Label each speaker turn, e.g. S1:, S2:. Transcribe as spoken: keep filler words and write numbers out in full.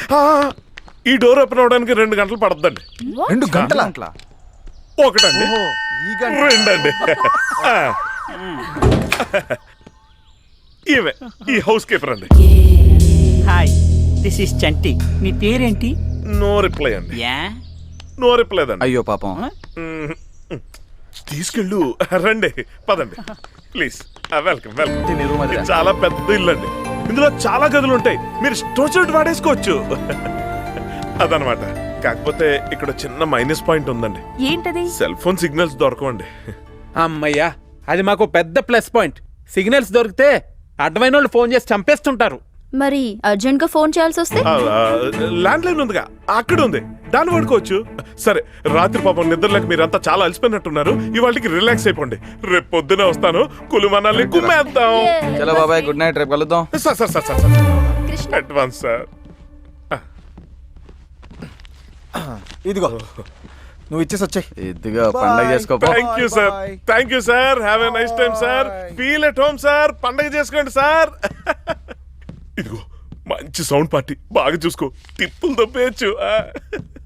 S1: ఈ door open అవడానికి రెండు గంటలు పడుతుందండి.
S2: రెండు గంటల
S1: ఒకటండి, రెండండి. ఈమె ఈ హౌస్ కీపర్ అండి.
S3: Hi, this is Chanti. నీ పేరేంటి?
S1: నో రిప్లై అండి.
S3: యా
S1: నో రిప్లై అండి.
S2: అయ్యో పాపం.
S1: తీసుకెళ్ళు. రండి, పదండి ప్లీజ్. Welcome welcome. ఇది చాలా పెద్ద ఇల్లు అండి. ఇందులో చాలా గదులు ఉంటాయి. మీరు స్టోర్ వాడేసుకోవచ్చు. అదనమాట. కాకపోతే ఇక్కడ చిన్న మైనస్ పాయింట్ ఉందండి.
S4: ఏంటది?
S1: సెల్ ఫోన్ సిగ్నల్స్ దొరకవండి.
S5: అమ్మయ్యా, అది మాకు పెద్ద ప్లస్ పాయింట్. సిగ్నల్స్ దొరికితే అడ్వైన వాళ్ళు ఫోన్ చేసి చంపేస్తుంటారు.
S4: మరి అర్జెంట్ గా ఫోన్ చేయాల్సి వస్తే
S1: ల్యాండ్ లైన్ ఉందిగా, అక్కడ ఉంది, దాన్ని వాడుకోవచ్చు. సరే, రాత్రి పాపం నిద్రలేక మీరంతా చాలా అలసిపోయినట్టున్నారు. ఇవాళకి రిలాక్స్ అయిపోండి. రేపు పొద్దునే వస్తాను, కులుమనాలి కుమ్మేద్దాం.
S2: చలో బాబాయ్, గుడ్ నైట్, రేపు కలుద్దాం.
S1: Sir sir sir sir
S4: Krishna,
S1: advance sir.
S6: ఇదిగో నువ్వు ఇచ్చేసి వచ్చాయి.
S2: ఇదిగో పండగ చేసుకో.
S1: Thank you sir, thank you sir. Have a nice time sir. Feel at home sir. పండగ చేసుకోండి సార్. ఇదిగో మంచి సౌండ్ పార్టీ, బాగా చూసుకో, తిప్పులు దొబ్బేయచ్చు.